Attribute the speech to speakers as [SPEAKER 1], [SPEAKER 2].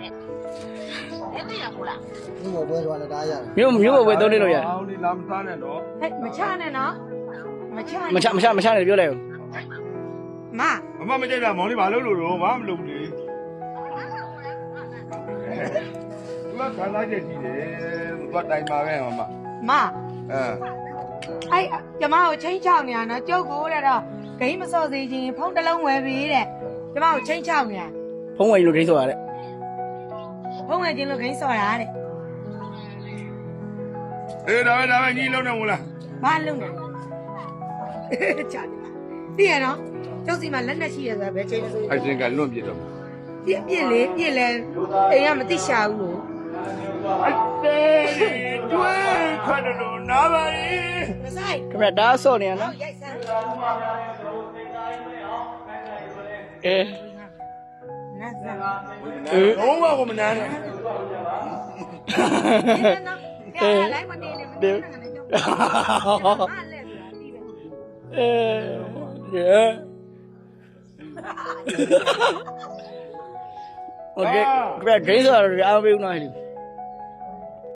[SPEAKER 1] မြို့ပွဲသွားလည်းတားရတယ်
[SPEAKER 2] မျိုးပဲသုံးနေလို့ရ
[SPEAKER 3] အောင်ဒီလာမစားနဲ့တော့
[SPEAKER 4] ဟဲ့မချနဲ့နော်မချ
[SPEAKER 2] မချနဲ့ပြောလိုက်ဦး
[SPEAKER 4] မ
[SPEAKER 3] အမမကြိုက်တာမောင်လေးဘာလုပ်လို့တော့ဘာမလုပ်ဘူးလေသူကခံစားချက်ကြီးတယ်သူကတိုင်ပါပဲမ
[SPEAKER 4] မ
[SPEAKER 3] မ
[SPEAKER 4] အဲ့ကျမကိုချင်းချောက်နေရနော်ကျုပ်ကိုတဲ့တော့ဂိမ်းမစော့စေခြင်းဖုန်းတစ်လုံးဝယ်ပြီးတဲ့ကျမကိုချင်းချောက်နေရ
[SPEAKER 2] ဖုံးဝင်လို့ခိဆိုရတဲ့
[SPEAKER 4] ဖုန်းဝယ်ခြင်းလို့ဂိမ်းစော့တာတဲ့
[SPEAKER 3] အေးဒါပဲညီလုံးနေမို့လား
[SPEAKER 4] ဘာလုံးလဲချာသိရနော်ကျုပ်စီမှာလက်နဲ့ရှိရဆိုတာဘယ်ချိန်ဆို
[SPEAKER 3] အရှင်ကလွန့်ပြစ်တော့
[SPEAKER 4] ပြစ်လေပြစ်လဲအိမ်ကမသိရှာဘူးလို့
[SPEAKER 3] အတေးတွဲခတ်တယ်လို့နားပါလေ
[SPEAKER 4] မဆိုင်
[SPEAKER 2] ခမရဒါဆော့နေရနော်
[SPEAKER 4] ရိုက်စမ်း
[SPEAKER 2] အေး
[SPEAKER 4] နတ်စမ်း
[SPEAKER 3] လုံးဝကိုမနာနဲ့
[SPEAKER 4] နော်ပြလိုက်မနေနဲ့မနေနဲ့ငါလည်းကြောက်မလဲဆိုတာဒီပဲ
[SPEAKER 2] အေးရေโอเคခမရဂိမ်းဆိုရအားပေးဦးနော်ဟဲ့